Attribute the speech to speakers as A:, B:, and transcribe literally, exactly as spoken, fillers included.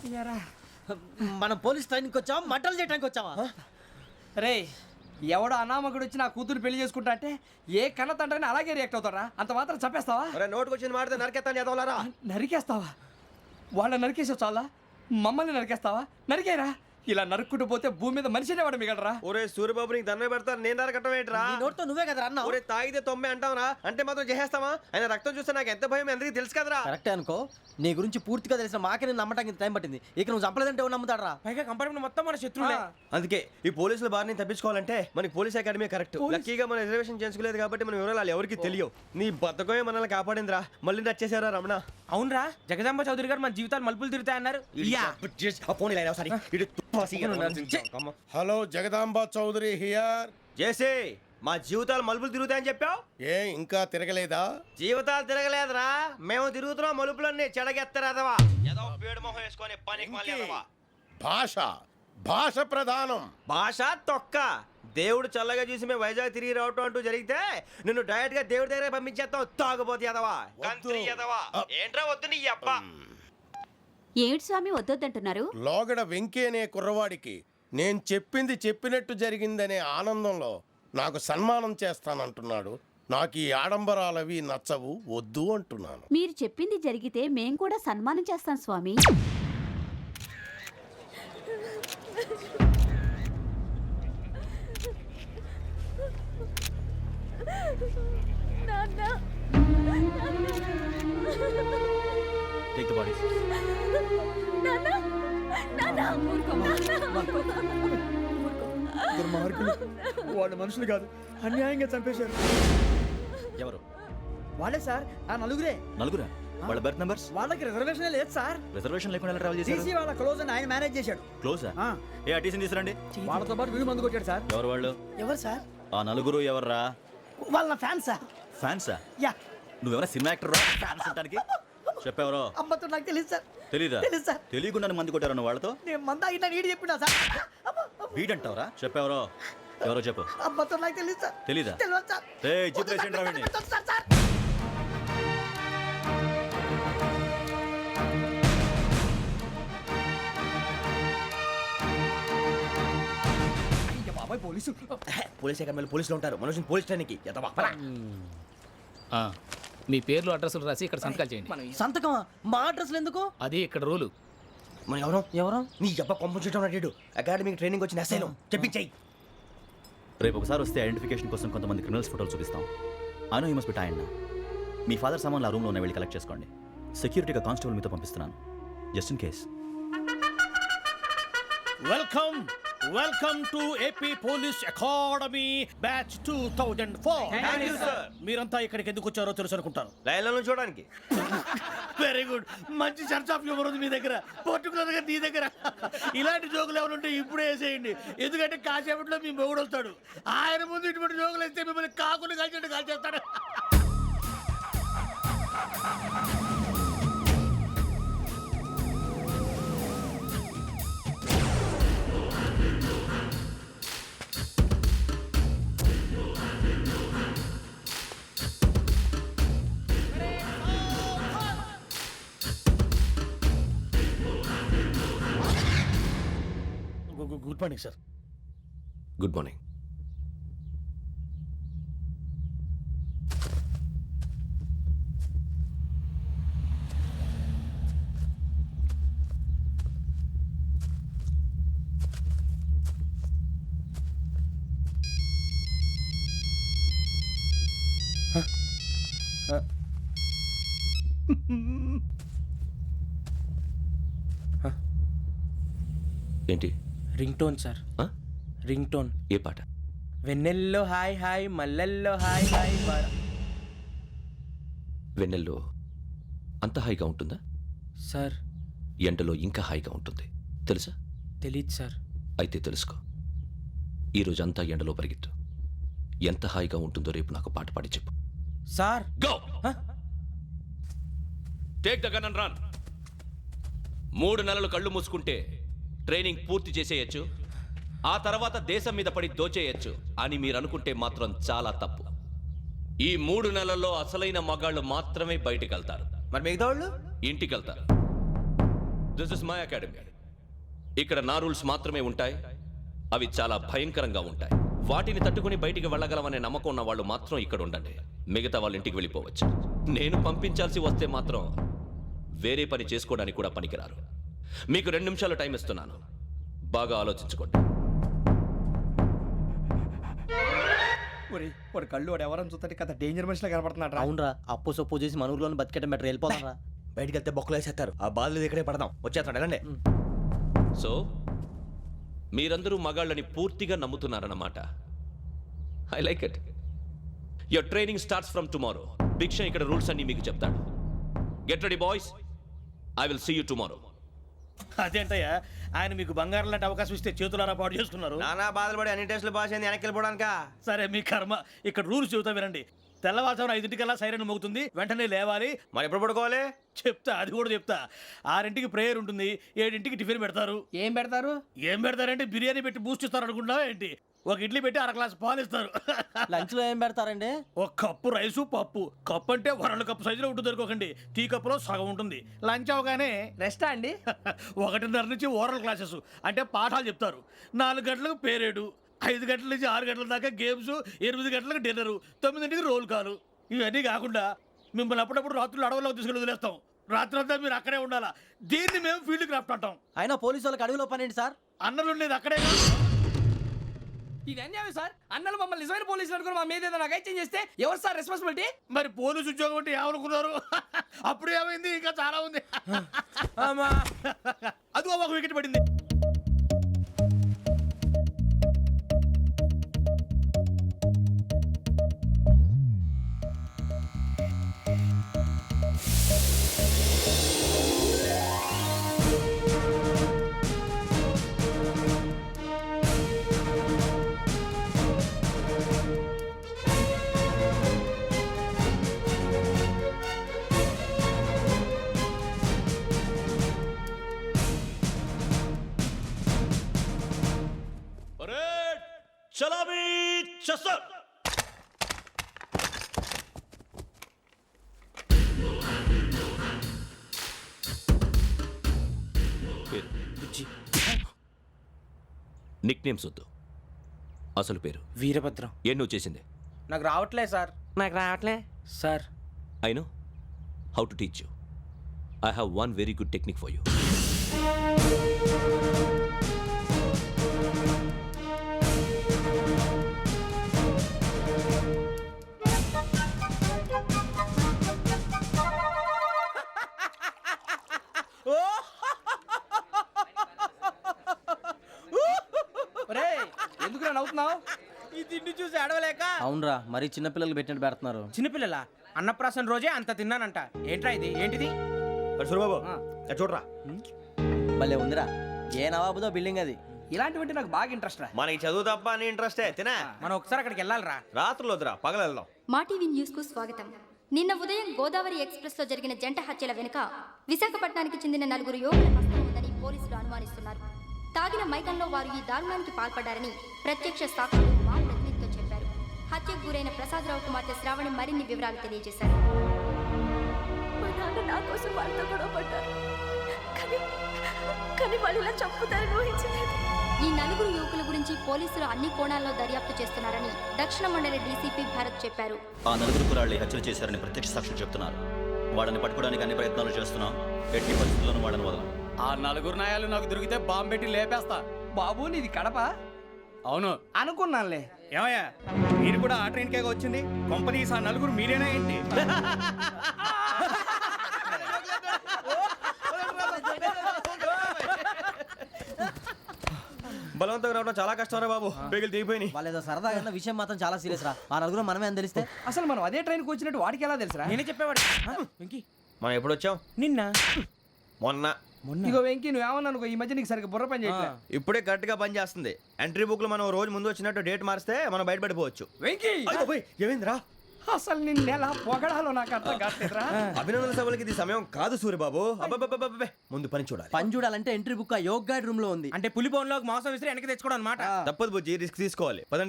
A: మనం పోలీస్ ట్రైనింగ్కి వచ్చావా మంటలు చేయడానికి వచ్చావా?
B: రే ఎవడో అనామకుడు వచ్చి నా కూతురు పెళ్లి చేసుకుంటా అంటే ఏ కన్న తండ్రిని అలాగే రియాక్ట్ అవుతారా? అంత మాత్రం చంపేస్తావా?
C: నోటుకు వచ్చింది మాడితే నరికేస్తాను చదవాలరా.
B: నరికేస్తావా? వాళ్ళ నరికేసావు చాలా, మమ్మల్ని నరికేస్తావా? నరికేరా. ఇలా నరుక్కుంటూ పోతే భూమి మీద మనిషినే వాడు మిగలరా.
C: ఒరే సూర్యబాబు నీకు దండ పెడతాను, నేను నరకటం ఏంట్రా?
A: నీ నోటితో నువ్వే కదా అన్నావు.
C: ఒరే తాగితే తొమ్మే అంటావురా, అంటే మాత్రం చేసేస్తావా? ఆయన రక్తం చూస్తే నాకు ఎంత భయం అందరికీ తెలుసు కదరా.
A: కరెక్టే అనుకో, నీ గురించి పూర్తిగా తెలిసిన మాకే నేను నమ్మటానికి ఇంత టైం పట్టింది. ఇక నువ్వు చంపలేదంటే ఎవరు నమ్ముతాడరా?
B: పైగా కంపార్ట్మెంట్ మొత్తం మన శత్రువులే.
C: అందుకే ఈ పోలీసుల బారిని తప్పించుకోవాలంటే మనకి పోలీస్ అకాడమీ కరెక్ట్. లక్కీగా మన రిజర్వేషన్ చేసుకోలేదు కాబట్టి మన వివరాలు ఎవరికి తెలియవు. నీ బతకమే మనల్ని కాపాడిందిరా. మళ్ళీ నచ్చేసారా రమణ?
B: అవునరా, జగదాంబ చౌదరి గారు మన జీవితాలు మలుపులు తిరుగుతాయన్నారు.
D: Hello, Jagadamba Chowdary here.
C: జేసే మా జీవితాలు మలుపులు తిరుగుతాయని చెప్పావు,
D: ఏ ఇంకా తిరగలేదా?
C: జీవితాలు తిరగలేదురా, మేము తిరుగుతున్నాం మలుపులన్నీ. చెడగెత్తరాదవా ఏదో పేడు మొహం వేసుకొని పనికి మాలేదవా.
D: భాష భాష ప్రధానం. భాష
C: తొక్క. దేవుడు చల్లగా చూసి మేము వైజాగ్ తిరిగి రావటం అంటూ జరిగితే నిన్ను డైరెక్ట్ గా దేవుడి దగ్గర పంపించేస్తావు. తాగుబోతు ఎదవా, కంత్రి ఎదవా. ఏంట్రా వద్దు నీ అబ్బా.
E: ఏమిటి స్వామి వద్దొద్దంటున్నారు?
D: లోగడ వెంకీ అనే కుర్రవాడికి నేను చెప్పింది చెప్పినట్టు జరిగిందనే ఆనందంలో నాకు సన్మానం చేస్తానంటున్నాడు. నాకు ఈ ఆడంబరాలవి నచ్చవు, వద్దు అంటున్నాను.
E: మీరు చెప్పింది జరిగితే మేం కూడా సన్మానం చేస్తాం స్వామి.
F: Take the bodies.
B: వాళ్ళు మనుషులు కాదు, అన్యాయంగా చంపేశారు.
F: ఎవరు?
B: వాళ్ళే సార్, ఆ నలుగురే.
F: నలుగురా? వాళ్ళ బర్త్ నంబర్స్?
B: వాళ్ళకి రిజర్వేషన్ లేదు సార్.
F: రిజర్వేషన్ లేకుండా ఎలా ట్రావెల్ చేశారు?
B: టీసీ వాళ్ళ క్లోజ్ అని ఆయన మేనేజ్ చేశాడు.
F: క్లోజా? ఏ ఆ టీసీని తీసుకురండి.
B: వాళ్ళతో పాటు వీడు మందు కొట్టాడు సార్.
F: ఎవరు వాళ్ళు?
A: ఎవరు సార్?
F: ఆ నలుగురు ఎవర్రా?
A: వాళ్ళ ఫ్యాన్స్ సార్.
F: ఫ్యాన్సా?
A: యా.
F: నువ్వెవరా సినిమా యాక్టర్? ఫ్యాన్స్ అంటానికి చెప్పేవరో?
A: అమ్మతో నాకు తెలియదు సార్.
F: తెలీదా?
A: తెలుసు సార్.
F: తెలియకుండా మంది కొట్టారు వాళ్ళతో?
A: నేను మంద అయినా నీడి చెప్పినా సార్.
F: వీడంటావరా? చెప్పేవరో? ఎవరో చెప్పు.
A: అమ్మతో నాకు తెలియదు సార్.
F: తెలీదా?
A: తెలియదు సార్.
F: ఏయ్ జిప్ వేసేయండి రా వీడిని.
A: Sir sir.
B: బాబాయ్ పోలీసు.
C: పోలీస్ అకాడమీలో పోలీసులు ఉంటారు, మనుషులు పోలీస్ ట్రైనింగ్కి ఎదవా.
G: మీ పేర్లు అడ్రస్లు రాసి ఇక్కడ సంతకాలు చేయండి.
A: సంతకమా? మా అడ్రస్లు ఎందుకు?
G: అది ఇక్కడ రూలు.
C: మనం ఎవరో
A: ఎవరు?
C: నీ అబ్బ పంపించడం అడిగాడు. అకాడమీకి ట్రైనింగ్ వచ్చిన అసైలం చెప్పించాయి.
F: రేపు ఒకసారి వస్తే ఐడెంటిఫికేషన్ కోసం కొంతమంది క్రిమినల్స్ ఫోటోలు చూపిస్తాం. I know you must be tired now. మీ ఫాదర్ సామాన్లు ఆ రూమ్లో ఉన్న వెళ్ళి కలెక్ట్ చేసుకోండి. సెక్యూరిటీగా కానిస్టేబుల్ మీతో పంపిస్తున్నాను, just in case.
H: Welcome welcome to AP police academy batch two thousand four. మీరంతా ఇక్కడికి ఎందుకు వచ్చారో తెలుసు అనుకుంటాను.
C: లైన్లను చూడడానికి.
H: వెరీ గుడ్, మంచి చర్చ్ ఆఫ్ హ్యూమర్ ఉంది మీ దగ్గర, పర్టికులర్ గా నీ దగ్గర. ఇలాంటి జోకులు ఎవరు ఉంటే ఇప్పుడే వేసేయండి, ఎందుకంటే కాసేపట్లో మీ మొగుడు వస్తాడు. ఆయన ముందు ఇటువంటి జోకులు వేస్తే మిమ్మల్ని కాకులు కాల్చేట్టు కాల్చేస్తాడు. Good morning sir.
C: Good morning. ఏంటి?
B: Ring tone sir. Ring tone.
C: ఏ పాట?
B: వెన్నెల్లో హాయ్ హాయ్, మల్లెల్లో హాయ్ హాయ్.
C: వెన్నెల్లో అంత హాయిగా ఉంటుందా
B: సార్?
C: ఎండలో ఇంకా హాయిగా ఉంటుంది తెలుసా?
B: తెలీదు సార్.
C: అయితే తెలుసుకో. ఈరోజు అంతా ఎండలో పరిగెత్తు. ఎంత హాయిగా ఉంటుందో రేపు నాకు పాట పాడి చెప్పు.
B: Sir
I: go. Take the gun and run. మూడు నెలలు కళ్ళు మూసుకుంటే ట్రైనింగ్ పూర్తి చేసేయచ్చు, ఆ తర్వాత దేశం మీద పడి దోచేయచ్చు అని మీరు అనుకుంటే మాత్రం చాలా తప్పు. ఈ మూడు నెలల్లో అసలైన మగాళ్ళు మాత్రమే బయటికి వెళ్తారు.
C: మరి మిగతా వాళ్ళు
I: ఇంటికి వెళ్తారు. This is my academy. ఇక్కడ నా రూల్స్ మాత్రమే ఉంటాయి. అవి చాలా భయంకరంగా ఉంటాయి. వాటిని తట్టుకుని బయటికి వెళ్ళగలమనే నమ్మకం ఉన్న వాళ్ళు మాత్రం ఇక్కడ ఉండండి. మిగతా వాళ్ళ ఇంటికి వెళ్ళిపోవచ్చు. నేను పంపించాల్సి వస్తే మాత్రం వేరే పని చేసుకోవడానికి కూడా పనికిరారు. మీకు రెండు నిమిషాలు టైం ఇస్తున్నాను. బాగా ఆలోచించుకోండి.
B: ఒరి వాడు కళ్ళు వాడు ఎవరైనా చూస్తే కదా డేంజర్ మనిషిలో కనపడుతున్నాడు రా.
A: అవునరా, అప్పు సొప్పు చేసి మన ఊర్లో బతికేయడం బెటర్. వెళ్ళిపోతారా?
C: బయటికి వెళ్తే బొక్కలు వేసేస్తారు. ఆ బాధలు ఇక్కడే పడదాం. వచ్చేస్తాడు వెళ్ళండి.
I: సో మీరందరూ మగాళ్ళని పూర్తిగా నమ్ముతున్నారన్నమాట. I like it. Your training starts from tomorrow. భిక్ష ఇక్కడ రూల్స్ అన్ని మీకు చెప్తాడు. Get ready boys. I will see you tomorrow.
H: అదేంటయ్యా, ఆయన మీకు బంగారం లాంటి అవకాశం ఇస్తే చేతులారా పాటు చేసుకున్నారు.
C: నానా బాధలు పడి అన్ని టెస్టులు పాస్ అయింది వెనక్కి వెళ్ళిపోవడానికా?
H: సరే మీ కర్మ. ఇక్కడ రూల్స్ చెబుతా వినండి. తెల్లవారుజామున ఐదింటికల్లా సైరన్ మోగుతుంది, వెంటనే లేవాలి.
C: మరి ఎప్పుడు పడుకోవాలి?
H: చెప్తా, అది కూడా చెప్తా. ఆరింటికి ప్రేయర్ ఉంటుంది, ఏడింటికి టిఫిన్ పెడతారు.
B: ఏం పెడతారు?
H: ఏం పెడతారంటే బిర్యానీ పెట్టి బూస్ట్ ఇస్తారు అనుకుంటున్నావా ఏంటి? ఒక ఇడ్లీ పెట్టి అర గ్లాస్ పాలు ఇస్తారు.
A: లంచ్ లో ఏం పెడతారండి?
H: ఒక కప్పు రైసు పప్పు. కప్పు అంటే వరల్డ్ కప్పు సైజులో ఉంటుంది అనుకోకండి. టీ కప్పులో సగం ఉంటుంది. లంచ్ అవగానే
B: రెస్టా అండి?
H: ఒకటిన్నర నుంచి ఓరల్ క్లాసెస్ అంటే పాఠాలు చెప్తారు. నాలుగు గంటలకు పేరేడు, ఐదు గంటల నుంచి ఆరు గంటల దాకా గేమ్స్, ఎనిమిది గంటలకు డిన్నరు, తొమ్మిదింటికి రోల్ కాలు. ఇవన్నీ కాకుండా మిమ్మల్ని అప్పుడప్పుడు రాత్రులు అడవుల్లో తీసుకెళ్ళి వదిలేస్తాం. రాత్రి అంతా మీరు అక్కడే ఉండాలా. దీన్ని మేము ఫీల్డ్ క్రాఫ్ట్ అంటాం.
A: అయినా పోలీసు వాళ్ళకి అడవిలో పని ఏంటి సార్?
H: అన్నలు ఉండేది అక్కడే.
B: ఇది అన్యాయం సార్. అన్నలు మమ్మల్ని నిజమైన పోలీసులు అనుకుని మా మీద ఏదైనా అగైత్యం చేస్తే ఎవరు సార్ రెస్పాన్సిబిలిటీ?
H: మరి పోలీసు ఉద్యోగం అంటే ఏమనుకున్నారు? అప్పుడు ఏమైంది? ఇంకా చాలా ఉంది. అదిగో ఒక వికెట్ పడింది.
I: చలామీ చసర్. నిక్ నేమ్స్ వద్దు. అసలు పేరు?
B: వీరభద్రం.
I: ఏం నువ్వు చేసింది?
B: నాకు రావట్లే సార్.
C: నాకు రావట్లే
B: sir.
I: I know how to teach you. I have one very good technique for you.
B: ఎందుకు నవ్వుతున్నావు?
A: ఈ తిండి చూసి అడవలేక. అవునరా, మరి చిన్నపిల్లలు పెట్టినట్టు పెడుతున్నారు.
B: చిన్నపిల్లల అన్నప్రాసన రోజే అంత తిన్నానంట. ఏంట్రా ఇది? ఏంటిది?
C: సురబాబు చూడరా.
A: భలే ఉందిరా. ఏ నవాబుదో బిల్డింగ్ అది.
B: ఇలాంటివంటే నాకు బాగా ఇంట్రెస్ట్ రా.
C: మనకి చదువు తప్ప అని ఇంట్రెస్టే. తినా
B: మనం ఒకసారి అక్కడికి వెళ్ళాలిరా.
C: రాత్రులు వద్దురా, పగలు వెళ్దాం.
J: మా టీవీ న్యూస్ కు స్వాగతం. నిన్న ఉదయం గోదావరి ఎక్స్ప్రెస్ లో జరిగిన జంట హత్యల వెనుక విశాఖపట్నానికి చెందిన నలుగురు యువకుల హస్తం ఉందని పోలీసులు అనుమానిస్తున్నారు. తాగిన మైకంలో వారు ఈ దారుణానికి పాల్పడ్డారని ప్రత్యక్ష సాక్షులు మా ప్రతినిధితో చెప్పారు. హత్యకు గురైన ప్రసాదరావు కుమార్తె శ్రావణి మరిన్ని వివరాలు తెలియజేశారు.
E: మా నాన్న నా కోసం వాళ్ళతో గొడవ పడ్డారు, కానీ కానీ వాళ్ళు ఇలా చంపుతారని ఊహించలేదు.
J: ఈ నలుగురు యువకుల గురించి పోలీసులు అన్ని కోణాల్లో దర్యాప్తు చేస్తున్నారని దక్షిణ మండలి డీసీపీ భరత్ చెప్పారు.
F: ఆ నలుగురు కురాళ్ళు హత్యలు చేశారని ప్రత్యక్ష సాక్షులు చెప్తున్నారు. వాళ్ళని పట్టుకోవడానికి అన్ని ప్రయత్నాలు చేస్తున్నాం. ఎట్టి పరిస్థితుల్లోనూ వాళ్ళని వదలం.
B: ఆ నలుగురు నాయాలు నాకు దొరికితే బాంబు పెట్టి లేపేస్తా. బాబు నీది కడప? అవును అనుకున్నానులే.
H: ఏమయ్యా, మీరు కూడా ఆ ట్రైన్ కేగా వచ్చింది? కంపెనీస్ ఆ నలుగురు మీరేనా ఏంటి?
C: బలవంతంగా రావడం చాలా కష్టం రా బాబు. బేగులు దిగిపోయినాయి.
A: వాళ్ళు ఏదో సరదాగా అన్న విషయం మాత్రం చాలా సీరియస్ రా. ఆ నలుగురు మనమే అని తెలిస్తే
B: అసలు మనం అదే ట్రైన్కి వచ్చినట్టు వాడికి ఎలా తెలుసురా? నేనే చెప్పేవాడు. వెంకీ
C: మనం ఎప్పుడు వచ్చాం?
B: నిన్న
C: మొన్న.
B: ఇగో వెంకీ నువ్వేమన్నా అనుకో, ఈ మధ్య నీకు సరిగ్గా బుర్ర పని చేయట్లేదు.
C: ఇప్పుడే కరెక్ట్ గా పని చేస్తుంది. ఎంట్రీ బుక్ లో మనం రోజు ముందు వచ్చినట్టు డేట్ మారిస్తే మనం బయటపడిపోవచ్చు.
B: వెంకీ
C: ఏమైందిరా?
B: అసలు నిన్న ఎలా పొగడాలో నాకు అర్థం కాట్లేదురా.
C: అభినందన సభలకి ఇది సమయం కాదు సూర్యబాబు. అబ్బబ్బబ్బబ్బబ్బే, ముందు పని చూడాలి.
A: పని చూడాలంటే ఎంట్రీ బుక్ ఆ యోగ్ గైడ్ రూమ్ లో ఉంది.
B: అంటే పులి బోన్లోకి మాంసం విసిరి వెనక్కి తెచ్చుకోవడం అనమాట.
C: తప్పదు బుజ్జి, రిస్క్ తీసుకోవాలి. పదండి.